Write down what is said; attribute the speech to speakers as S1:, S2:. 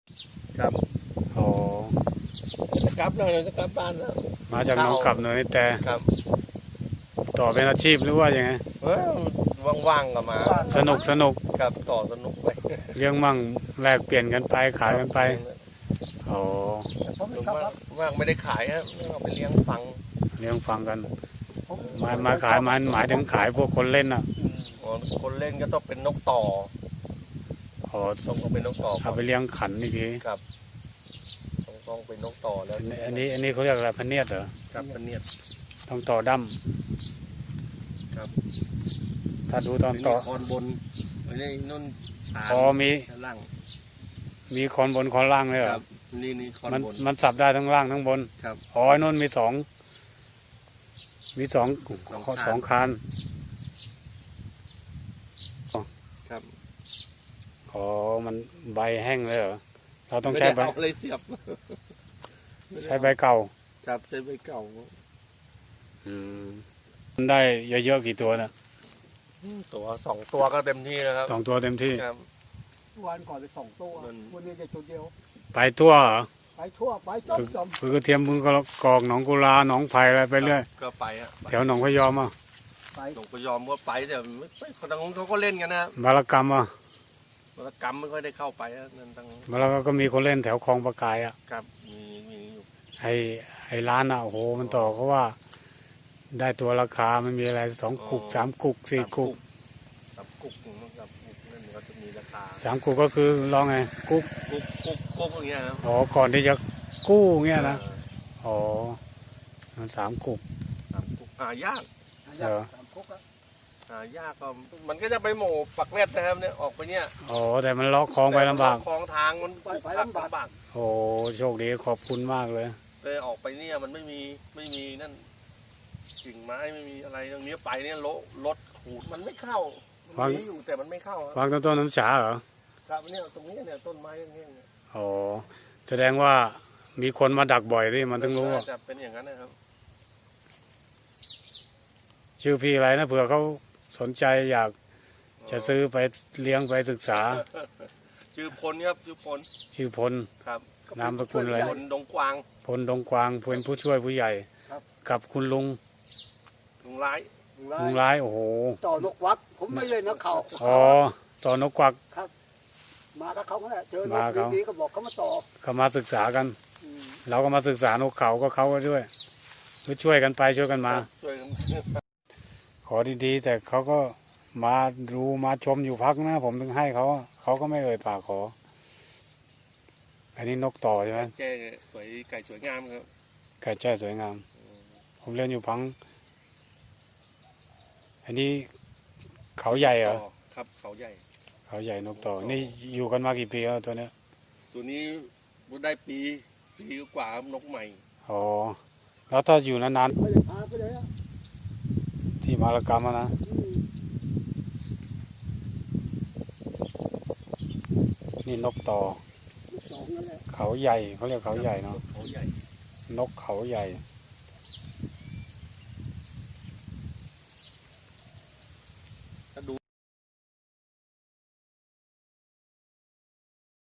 S1: ครับ
S2: โอ้
S1: จะกลับแล้วเราจะกลับบ้านแล้ว
S2: มาจากหนองกลับเนินนี่แต่
S1: ครับ
S2: ต่อเป็นอาชีพหรือว่ายังไง
S1: ว่างๆก็มา
S2: สนุก
S1: ครับต่อสนุกไป
S2: เลี้ยงมั่งแลกเปลี่ยนกันไปขายกันไปโอ้
S1: หรือว่างไม่ได้ขายครับเอาไปเลี้ยงฟัง
S2: เลี้ยงฟังกันมาขายมันหมายถึงขายพวกคนเล่นอ่ะ
S1: อ๋อคนเล่นก็ต้องเป็นนกต่อ
S2: อ๋อ
S1: ต้องเป็นนกต่อ
S2: เอาไปเลี้ยงขันอีกที
S1: ครับต้องเป็นนกต่อแล้ว
S2: อันนี้เขาเรียกอะไรพะเนียดเหรอ
S1: ครับเป็นเนี่ย
S2: ต้องต่อดั้ม
S1: ครับ
S2: ถ้าดูตอนต่อ
S1: คอนบนอันนี้นุ่น
S2: อ๋อมี
S1: ล่าง
S2: มีคอนบนคอนล่างเลยเหร
S1: ค
S2: อ
S1: รับนี่คอน
S2: มัน
S1: บน
S2: มันสับได้ทั้งล่างทั้งบน
S1: ครับ
S2: อ๋อไอ้นู่นมีสองสองคาน
S1: ครับ
S2: อ๋อมันใบแห้งเลยเหรอเราต้องใช้ใบ
S1: ไม่ได้เอาอะไรเสียบ
S2: ใช้ใบเก่า
S1: ครับใช้ใบเก่า
S2: มันได้เยอะๆกี่ตัวนะ
S1: ตัว2 ตัวก็เต็มที่แล้วครับ
S2: 2 ตัวเต็มที่
S1: ครับ
S3: วันก่อนไป2 ตัว
S1: มัน
S3: วันนี้จะตัวเดียว
S2: ไปทั่วเหรอ
S3: ไปทั่วไปจม
S2: คือกระเทียมมือกกอกหนองกุลาหนองไผ่อะไรไปเรื่อย
S1: ก็ไปฮะ
S2: แถวหนองพะยอมอ่ะ
S3: ไป
S1: หลวงพยอมก็ไปแต่ไม่คนทางนู้นเขาก็เล่นกันนะ
S2: บารกรรมอ่ะ
S1: วรกรรมไม่ค่อยได้เข้าไปนะนั่นทาง
S2: บารกรรมก็มีคนเล่นแถวคลองประกายอ่ะ
S1: ครับมีอยู่
S2: ไอ้ร้านอ่ะโอ้โหมันต่อเขาว่า ได้ตัวราคามันมีอะไร2 กุก3 กุก4 กุก
S1: 3 กุกนะครับนั่นก็จะมีราคา
S2: 3 กุกก็คือลองไงกุก
S1: กุกอย่างเงี้ยครับ
S2: อ๋อก่อนที่จะกู้เงี้ยนะอ๋อมัน3 กุก
S1: 3 กุกหายาก
S2: เหรอ
S3: 3 คุกอะ
S1: หายากก็มันก็จะไปโหม่ปักเล็ดนะครับเนี่ยออกไปเนี่ย
S2: อ๋อแต่มันเลาะคลองไปลำบาก
S1: คลองทางมันลำบาก
S2: โอ้โชคดีขอบคุณมากเลย
S1: เลยออกไปเนี่ยมันไม่มีนั่นกิ่งไม้ไม่มีอะไรตรงนี้ไปเนี่ยรถขูดมันไม่เข้ามันมีอยู่แต่มันไม่เข้าครับ
S2: วางต้นน้ำฉาเหรอ
S1: ครับเนี่ยตรงนี้เนี่ยต้นไม้อย่างเงี้ยเนี่ย
S2: อ๋อแสดงว่ามีคนมาดักบ่อยที่มันถึงรู้ว่า
S1: น่าจะเป็นอย่างนั้นนะครับ
S2: ชื่อพี่อะไรนะเผื่อเขาสนใจอยากจะซื้อไปเลี้ยงไปศึกษา
S1: ชื่อพลครับชื่อพล
S2: ชื่อพล
S1: ครับ
S2: นามสกุลอะไร
S1: พลดงกวาง
S2: พลดงกวางเป็นผู้ช่วยผู้ใหญ่ กับคุณลุง
S1: ลุงร้าย
S2: ลุงร้ายโอ้โห
S3: ต่อนกวักผมไม่เล่นนะเขา
S2: อ๋อต่อนกกวัก
S3: มากับเขาแหละเจอน
S2: มาเขา
S3: กดีๆก็บอกเขามาต่อ
S2: เขามาศึกษากัน
S3: อืม
S2: เราก็มาศึกษานกเขาก็เขาก็ด้วยก็ช่วยกันไปช่วยกันมา
S1: ช่วยกัน
S2: ขอดีๆแต่เขาก็มาดูมาชมอยู่พักนะผมถึงให้เขาเขาก็ไม่เอ่ยปากขอ อันนี้นกต่อใช่ไหม
S1: แจ้สวยไก่สวยงามครับ
S2: ไก่แจ้สวยงาม ผมเรียนอยู่พัง อันนี้เขาใหญ่เหรอ
S1: ครับเขาใหญ่
S2: เขาใหญ่นกต่อ นี่อยู่กันมากี่ปีแล้วตัวเนี้ย
S1: ตัวนี้ได้ปีกว่าครับนกใหม่
S2: อ๋อ แล้วถ้าอยู่นาน
S3: ไม่ได้พาไปเลยอะ
S2: ๆที่มารกรรมอะนะ
S3: อืม
S2: นี่นกต่อ
S3: 2นั่นแหละ
S2: เขาใหญ่เขาเรียกเขาใหญ่เนาะ
S1: เขาใหญ่
S2: นกเขาใหญ่
S1: ค